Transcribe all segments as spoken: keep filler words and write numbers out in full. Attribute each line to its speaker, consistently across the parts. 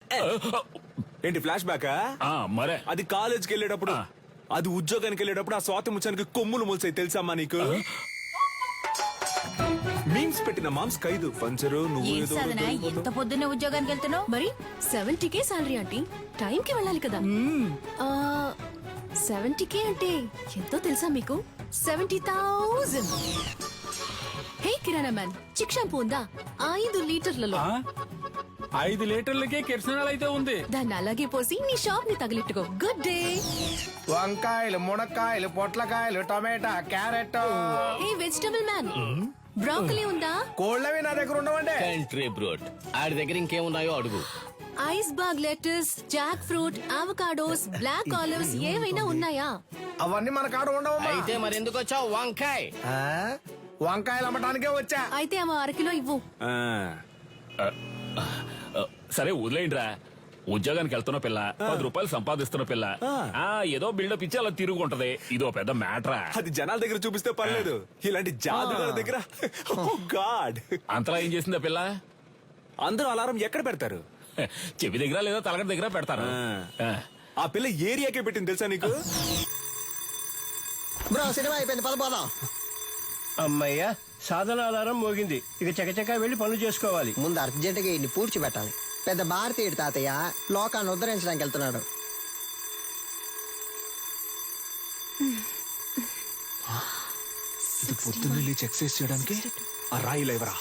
Speaker 1: ఏంటి ఫ్లాష్ బ్యాకా?
Speaker 2: మరే
Speaker 1: అది కాలేజ్కి వెళ్ళేటప్పుడు, అది ఉద్యోగానికి వెళ్ళేటప్పుడు ఆ స్వాతి ముచ్చానికి కొమ్ములు మొలిసాయి తెలుసమ్మా నీకు? మీమ్స్ పెట్టిన మామ్స్ ఖైదు పంచరు నువ్వు
Speaker 3: ఏం
Speaker 1: ఏదో
Speaker 3: సాధన ఎంత పొద్దున్నే ఉద్యోగానికి వెళ్తున్నావు?
Speaker 4: మరి seventy K salary aunty, time కి వెళ్ళాలి కదా. సెవెంటీ కే అంటే ఎంతో తెలుసా మీకు? Seventy thousand. Hey kirana man, Chik shampoo ఉందా? ఐదు లీటర్లలో.
Speaker 2: ఐదు లీటర్లకే కిరసనాలు అయితే ఉంది.
Speaker 4: దాన్ని అలాగే పోసి నీ షాప్ ని తగిలిట్టుకో. Good day.
Speaker 5: వంకాయలు, మునక్కాయలు, పొట్లకాయలు, టమాటా, carrot.
Speaker 4: Hey vegetable man, broccoli ఉందా?
Speaker 5: కోళ్ళవి నా దగ్గర ఉండవండి.
Speaker 6: కంట్రీ బ్రోడ్ ఆడి దగ్గర ఇంకేమున్నాయో అడుగు.
Speaker 4: Iceberg lettuce, jackfruit, avocados, black olives ఏవైనా ఉన్నాయా?
Speaker 5: అవన్నీ మన కాడ ఉండవు.
Speaker 6: అయితే మరి ఎందుకు వచ్చావు? వంకాయ్
Speaker 5: వంకాయలు అమ్మటానికే వచ్చా.
Speaker 4: అయితే అమ్మ అరకిలో ఇవ్వు.
Speaker 1: ఆ,
Speaker 2: సరే వదిలేయండిరా. ఉద్యోగానికి వెళ్తున్న పిల్ల, పది రూపాయలు సంపాదిస్తున్న పిల్ల, ఆ ఏదో బిల్డప్ ఇచ్చి అలా తిరుగుంటది. ఇదో పెద్ద మ్యాటరా.
Speaker 1: అది జనాల దగ్గర చూపిస్తే పర్లేదు, ఇలాంటి జాదుగారి దగ్గర గాడ్.
Speaker 2: అంతలా ఏం చేసిందా పిల్ల?
Speaker 1: అందరూ అలారం ఎక్కడ పెడతారు?
Speaker 2: చెవి దగ్గర లేదా తలగడ దగ్గర పెడతారు.
Speaker 1: ఆ పిల్ల ఏరియాకే పెట్టింది తెలుసా నీకు?
Speaker 7: బ్రో సినిమా అయిపోయింది, పద పోదాం.
Speaker 5: అమ్మయ్య, సాధన ఆధారం మోగింది. ఇక చకచకా వెళ్లి పనులు చేసుకోవాలి.
Speaker 7: ముందు అర్జెంట్ గా ఇన్ని పూడ్చిపెట్టాలి. పెద్ద భారతీయుడు తాతయ్య లోకాన్ని ఉద్ధరించడానికి వెళ్తున్నాడు.
Speaker 1: ఇది పొద్దున్న లేచి ఎక్సర్సైజ్ చేయడానికి ఆ రాయి లేవరా?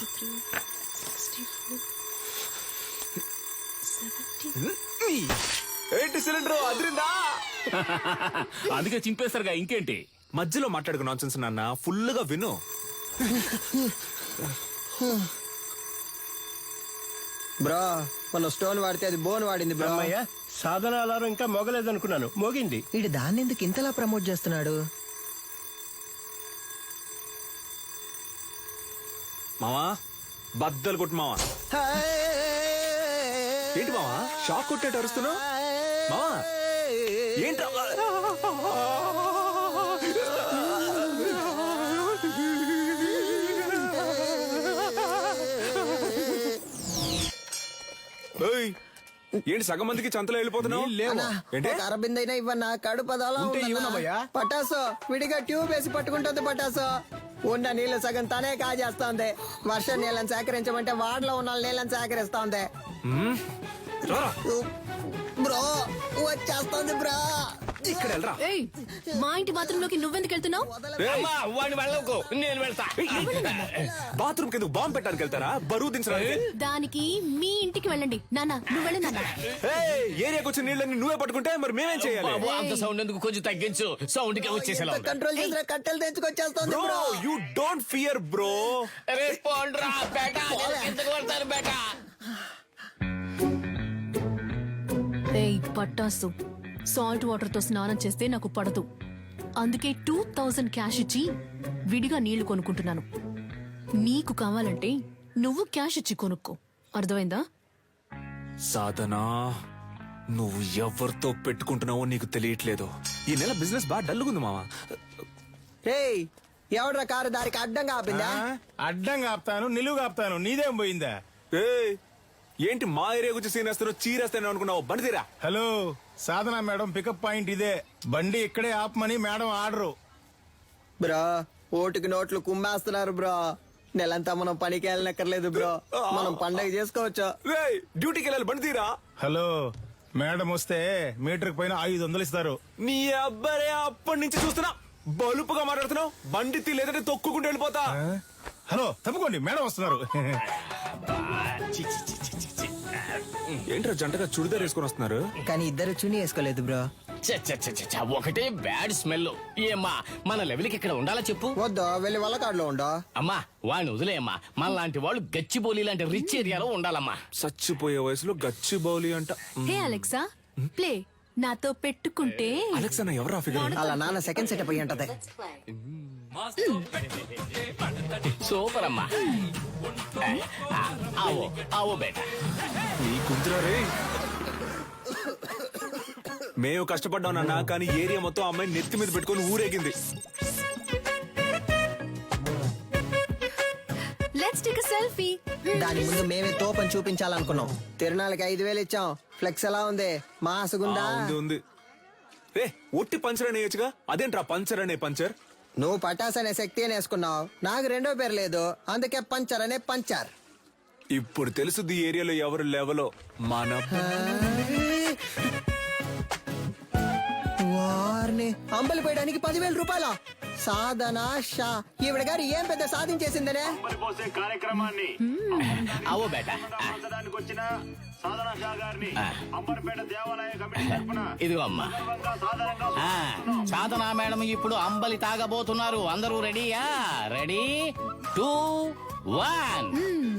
Speaker 1: ఏంటి సిలిండర్ అదిరిందా?
Speaker 2: అందుకే చింపేస్తారుగా, ఇంకేంటి?
Speaker 1: మధ్యలో మాట్లాడుకు నాన్సెన్స్ నాన్న, ఫుల్ గా విను.
Speaker 7: బ్రో మన స్టోన్ వాడితే అది బోన్ వాడింది బ్రో.
Speaker 5: అమ్మయ్య, సాధన ఆధారం ఇంకా మోగలేదనుకున్నాను, మోగింది.
Speaker 7: వీడు దాన్ని ఎందుకు ఇంతలా ప్రమోట్ చేస్తున్నాడు?
Speaker 1: మావా బద్దలు కొట్టు మావా. ఏంటి మావా షాక్ కొట్టేట అరుస్తున్నావు? మావా ఏంట్రా? ఏంటి సగం మందికి చంతలో వెళ్ళిపోతున్నావు?
Speaker 7: అరబిందైనా ఇవ్వన్నా, కడుపు అదోలా ఉందన్నా. పటాసో విడిగా ట్యూబ్ వేసి పట్టుకుంటుంది. పటాసో ఉన్న నీళ్లు సగం తనే కాజేస్తోంది. వర్షం నీళ్ళని సేకరించమంటే వాడలో ఉన్న నీళ్ళని సేకరిస్తోంది. బ్రో వచ్చేస్తోంది బ్రో.
Speaker 1: ఇక్కడ వెళ్ళరా.
Speaker 4: ఏయ్, మా ఇంటి బాత్రూమ్ లోకి నువ్వెందుకు వెళ్తున్నావు?
Speaker 6: వాడిని వెళ్ళకు, నేను వెళ్తా.
Speaker 1: బాత్రూమ్ కింద బాంబు పెట్టడానికి వెళ్తారా? బరువు దించడానికి?
Speaker 4: దానికి మీ ఇంటికి వెళ్ళండి. నాన్న నువ్వు వెళ్ళి నాన్న.
Speaker 1: ఏరియాకి వచ్చిన నీళ్ళని నువ్వే పట్టుకుంటే మరి మేమేం చేయాలి?
Speaker 6: అంత సౌండ్ ఎందుకు, కొంచెం తగ్గించు. సౌండ్ కి వచ్చేసేలా ఉంది.
Speaker 7: కంట్రోల్ చేసిన కట్టెలు తెచ్చుకొచ్చేస్తోంది bro.
Speaker 1: You don't fear bro.
Speaker 6: అరే పోండ్రా బేటా, ఎందుకు పడతారు బేటా?
Speaker 4: ఏయ్ పట్టాసు, సాల్ట్ వాటర్ తో స్నానం చేస్తే నాకు పడదు. అందుకే టూ థౌజండ్ క్యాష్ ఇచ్చి విడిగా నీళ్లు కొనుక్కుంటున్నాను. నీకు కావాలంటే నువ్వు క్యాష్ ఇచ్చి కొనుక్కో, అర్థమైందా?
Speaker 1: సాధనా, నువ్వు ఎవరితో పెట్టుకుంటున్నావో నీకు తెలియట్లేదు. ఈ నెల బిజినెస్ బాగా డల్లుగుంది మావా.
Speaker 7: ఏయ్ ఎవడ్రా కారు దారికి అడ్డంగా ఆపిందా?
Speaker 5: అడ్డంగా ఆపుతాను, నిలువుగా ఆపుతాను, నీదేం పోయిందా?
Speaker 1: ఏయ్ ఏంటి మా ఏరియా గురించి సీన్ వేస్తారో చీరేస్తాను అనుకున్నావు? బండి తీరా.
Speaker 5: Hello Sadhana madam, pickup point ఇదే. బండి ఇక్కడే ఆపమని మేడం ఆర్డరు.
Speaker 7: బ్రో ఓటుకి నోట్లు కుమ్మేస్తున్నారు బ్రో. నెలంతా మనం పనికి వెళ్ళనక్కర్లేదు బ్రో, మనం పండగ చేసుకోవచ్చు.
Speaker 1: డ్యూటీకి వెళ్ళాలి, బండి తీరా.
Speaker 5: హలో మేడం వస్తే మీటర్ పైన ఐదు వందలు ఇస్తారు.
Speaker 1: నీ అబ్బాయి అప్పటి నుంచి చూస్తున్నా బలుపుగా మాట్లాడుతున్నావు. బండి తీ లేదంటే తొక్కుకుంటూ వెళ్ళిపోతా.
Speaker 5: హలో తప్పుకోండి, మేడం వస్తున్నారు.
Speaker 1: ఏంట్రా జంటగా చుడిదార్ వేసుకొని వస్తున్నారు?
Speaker 7: కానీ ఇద్దరు చుని వేసుకోలేదు బ్రో.
Speaker 6: ఒకటే బ్యాడ్ స్మెల్. ఏమ్మా మన లెవెల్కి ఇక్కడ ఉండాలా చెప్పు?
Speaker 7: వద్దు, వెళ్ళి వల్లకాడులో ఉండో.
Speaker 6: అమ్మా వాడిని వదిలేయమ్మా. మన లాంటి వాళ్ళు గచ్చిబౌలి లాంటి రిచ్ ఏరియాలో ఉండాలమ్మా.
Speaker 1: చచ్చిపోయే వయసులో గచ్చి బౌలి అంట.
Speaker 4: Hey Alexa, play. నాతో పెట్టుకుంటే
Speaker 1: అలెక్సా నా ఎవరా ఫిగర్?
Speaker 7: అలా నాన్న సెకండ్ సెటప్ అయ్యి ఉంటది.
Speaker 6: సూపర్ అమ్మా. ఆవో ఆవో బేటా.
Speaker 1: నీ కుంతురా రే. మేము కష్టపడ్డాం నాన్న, కానీ ఏరియా మొత్తం అమ్మాయి నెత్తి మీద పెట్టుకొని ఊరేగింది.
Speaker 4: Let's take a selfie.
Speaker 7: దాని ముందు మేమే తోపని చూపించాలనుకున్నాం. తిరునాళ్ళకి ఐదు వేలు ఇచ్చాం. ఫ్లెక్స్ ఎలా ఉంది? మాసుగుందా?
Speaker 1: ఆ, ఉంది ఉంది. రే ఒట్టి పంచర్ అనేయచ్చుగా, అదేంట్రా పంచర్ అనే పంచర్?
Speaker 7: నువ్వు పటాస్ అనే శక్తి అని వేసుకున్నావు. నాకు రెండో పేరు లేదు, అందుకే పంచర్ అనే పంచర్.
Speaker 1: ఇప్పుడు తెలుసుది ఈ ఏరియాలో ఎవరు లెవలో. మన
Speaker 7: వారిని అంబలి పోయడానికి పదివేల రూపాయల సాధన షా ఈవిడ గారు ఏం పెద్ద సాధించేసిందనే.
Speaker 8: పోసే కార్యక్రమాన్ని
Speaker 6: అవో బేటా
Speaker 8: ఆచరించడానికి వచ్చిన సాధన షా గారిని అంబర్పేట దేవాలయ కమిటీ తరపున
Speaker 6: ఇదిగో అమ్మా.
Speaker 8: సందర్భంగా సాధారణంగా
Speaker 6: ఆ, సాధనా మేడం ఇప్పుడు అంబలి తాగబోతున్నారు. అందరూ రెడీయా? Ready two one.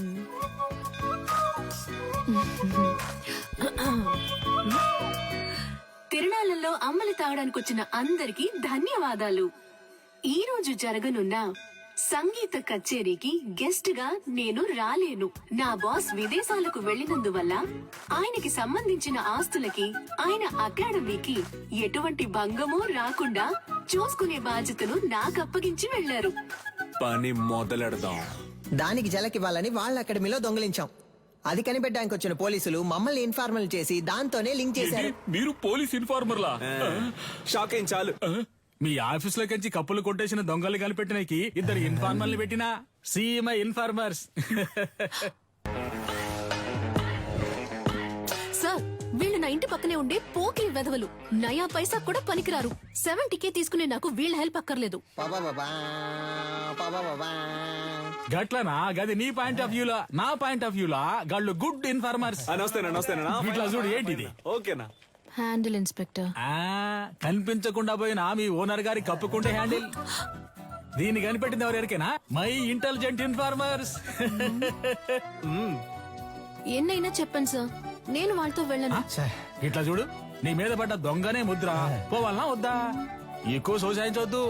Speaker 9: తిరునాళ్లలో అమ్మలి తాగడానికి వచ్చిన అందరికీ ధన్యవాదాలు. ఈ రోజు జరగనున్న సంగీత కచేరీకి గెస్ట్ గా నేను రాలేను. నా బాస్ విదేశాలకు వెళ్లినందువల్ల ఆయనకి సంబంధించిన ఆస్తులకి ఆయన అకాడమీకి ఎటువంటి భంగమూ రాకుండా చూసుకునే బాధ్యతను నాకు అప్పగించి వెళ్లారు.
Speaker 1: పని మొదలెడదాం.
Speaker 7: దానికి జలకివ్వాలని వాళ్ళ అకాడమీలో దొంగిలించాం. అది కనిపెట్టడానికి వచ్చిన పోలీసులు మమ్మల్ని ఇన్ఫార్మల్ చేసి దాంతోనే లింక్ చేశారు.
Speaker 2: మీరు పోలీస్ ఇన్ఫార్మర్లా?
Speaker 1: షాక్ అయింది చాలు.
Speaker 10: మీ ఆఫీస్ లో కంచి కప్పులు కొట్టేసిన దొంగలు కనిపెట్టినకి ఇద్దరు ఇన్ఫార్మర్లు పెట్టినా సీఎంఐ ఇన్ఫార్మర్స్.
Speaker 4: సార్, వీళ్ళు నా ఇంటి పక్కనే ఉండే పోకిరి వెధవలు. నయా పైసా కూడా పనికిరారు. సెవెంటీకే తీసుకునే నాకు వీళ్ళ హెల్ప్ అక్కర్లేదు.
Speaker 7: పాపాపాపా, పాపాపాపా.
Speaker 10: గట్లనా? గది నీ పాయింట్ ఆఫ్ వ్యూలా, నా పాయింట్ ఆఫ్ వ్యూలా గాళ్ళు గుడ్ ఇన్ఫార్మర్స్.
Speaker 1: నమస్తేనా నమస్తేనా.
Speaker 10: ఇట్లా చూడు, ఏంటిది?
Speaker 1: ఓకేనా?
Speaker 4: Handle inspector.
Speaker 10: ఆ కనిపించకుండా పోయిన మీ ఓనర్ గారి కప్పుకుంటే హ్యాండిల్. దీన్ని కనిపెట్టింది ఎవరికైనా? My intelligent informers.
Speaker 4: ఎన్నైనా చెప్పండి సార్, నేను వాళ్ళతో వెళ్ళను.
Speaker 10: ఇట్లా చూడు, నీ మీద పడ్డ దొంగనే ముద్ర. పోవాలనా వద్దా? ఎక్కువ సోసాయించవద్దు.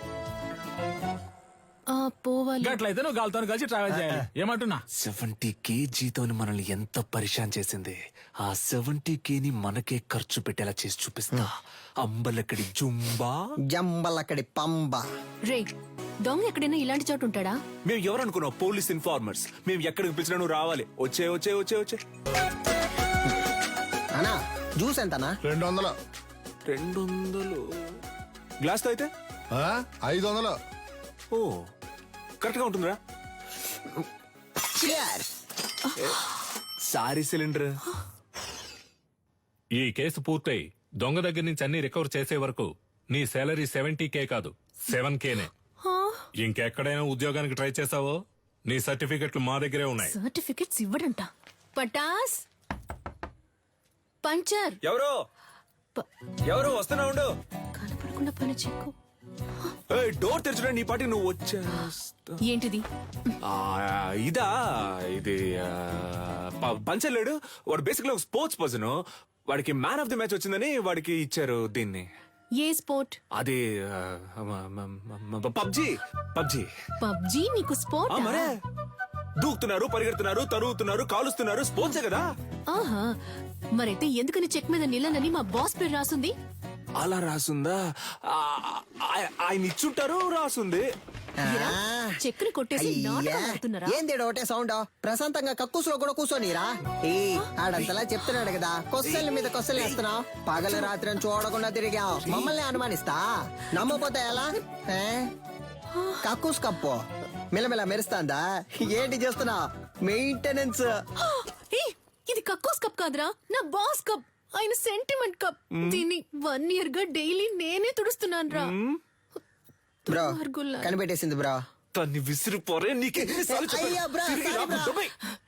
Speaker 4: ఆ, పోవాలి.
Speaker 10: గట్లయితే నువ్వు గాలితో కలిసి ట్రావెల్ చేయాలి. ఏమంటున్నా?
Speaker 1: సెవెంటీ కేజీతో మనల్ని ఎంత పరిశాన్ చేసింది. ఆ సెవెంటీ కేని మనకే ఖర్చు పెట్టేలా చేసి చూపిస్తా. అంబలక్కడి జుంబా,
Speaker 7: జంబలక్కడి పంబ.
Speaker 4: రే, దొంగ ఎక్కడైనా ఇలాంటి చోటు ఉంటాడా?
Speaker 1: మేము ఎవరనుకున్నావు? Police informers. మేము ఎక్కడికి పిలిచినా నువ్వు రావాలి. వచ్చే వచ్చే వచ్చే వచ్చే.
Speaker 7: అనా జ్యూస్ ఎంతనా?
Speaker 11: రెండు వందలు.
Speaker 1: రెండు వందలు గ్లాస్ తో అయితే
Speaker 11: ఆ? ఐదు వందలు.
Speaker 1: ఓ కరెక్ట్ గా ఉంటుందిరా.
Speaker 7: Cheers.
Speaker 1: Sorry cylinder.
Speaker 12: ఈ కేసు పూర్తయి దొంగ దగ్గర నుంచి అన్ని రికవర్ చేసే వరకు నీ శాలరీ సెవెంటీ కే కాదు, సెవెన్ కేనే. ఇంకెక్కడైనా ఉద్యోగానికి ట్రై చేసావో నీ సర్టిఫికెట్లు మా దగ్గరే ఉన్నాయి.
Speaker 4: సర్టిఫికెట్స్ ఇవ్వడంట. పటాస్ పంచర్.
Speaker 1: ఎవరు
Speaker 4: ప-
Speaker 1: ఎవరు వస్తున్నా ఉండు.
Speaker 4: కనపడకుండా పని చెక్కు.
Speaker 1: ఏయ్, డోర్ తెరచురా. నీ పాటికి నువ్వు వచ్చేస్తా.
Speaker 4: ఏంటిది?
Speaker 1: ఆ, ఇదా ఇది ఆ, ప- పంచలేడు వాడు. బేసిక్లీ ఒక స్పోర్ట్స్ పర్సన్. వాడికి మ్యాన్ ఆఫ్ ది మ్యాచ్ వచ్చిందని వాడికి ఇచ్చారు దీన్ని.
Speaker 4: ఏ స్పోర్ట్?
Speaker 1: అది పబ్జి. పబ్జి
Speaker 4: పబ్జీ నీకు స్పోర్ట్?
Speaker 1: మరే దూకుతున్నారు, పరిగెడుతున్నారు, తరుగుతున్నారు, కాలుస్తున్నారు. స్పోర్ట్సే కదా.
Speaker 4: ఆహా, మరైతే ఎందుకని చెక్ మీద నిలనని మా బాస్ పేరు రాసుంది?
Speaker 1: అలా రాసుందా? ఆ, ఆ- ఆయన ఇచ్చుంటారు, రాసుంది.
Speaker 4: ఇరా, చెక్కుని కొట్టేసి నాటకం ఆడుతున్నారా?
Speaker 7: ఏంది ఒకటే సౌండ్? ప్రశాంతంగా కక్కుసులో కూడా కూర్చోనిరా. ఏ ఆడంతలా చెప్తున్నాడు కదా, కొస్సల మీద కొస్సలు వేస్తున్నావు. పగలు రాత్రి అని చూడకుండా తిరిగావు. మమ్మల్ని అనుమానిస్తా. నమ్మపోతే ఎలా? ఏ? కక్కుస్ కప్పు మిలమిల మెరుస్తాందా? ఏంటి చేస్తున్నా? మెయింటెనెన్స్.
Speaker 4: ఏయ్, ఇది కక్కోస్ కప్ కాదురా, నా బాస్ కప్. ఆయన సెంటిమెంట్ కప్. దీన్ని వన్ ఇయర్ గా డైలీ నేనే తుడుస్తున్నాను రా.
Speaker 7: బ్రో కనిపెట్టేసింది బ్రో.
Speaker 1: తన్ని విసిరిపోరే. నీకే
Speaker 7: అయ్యా బ్రో, సారీ బ్రో.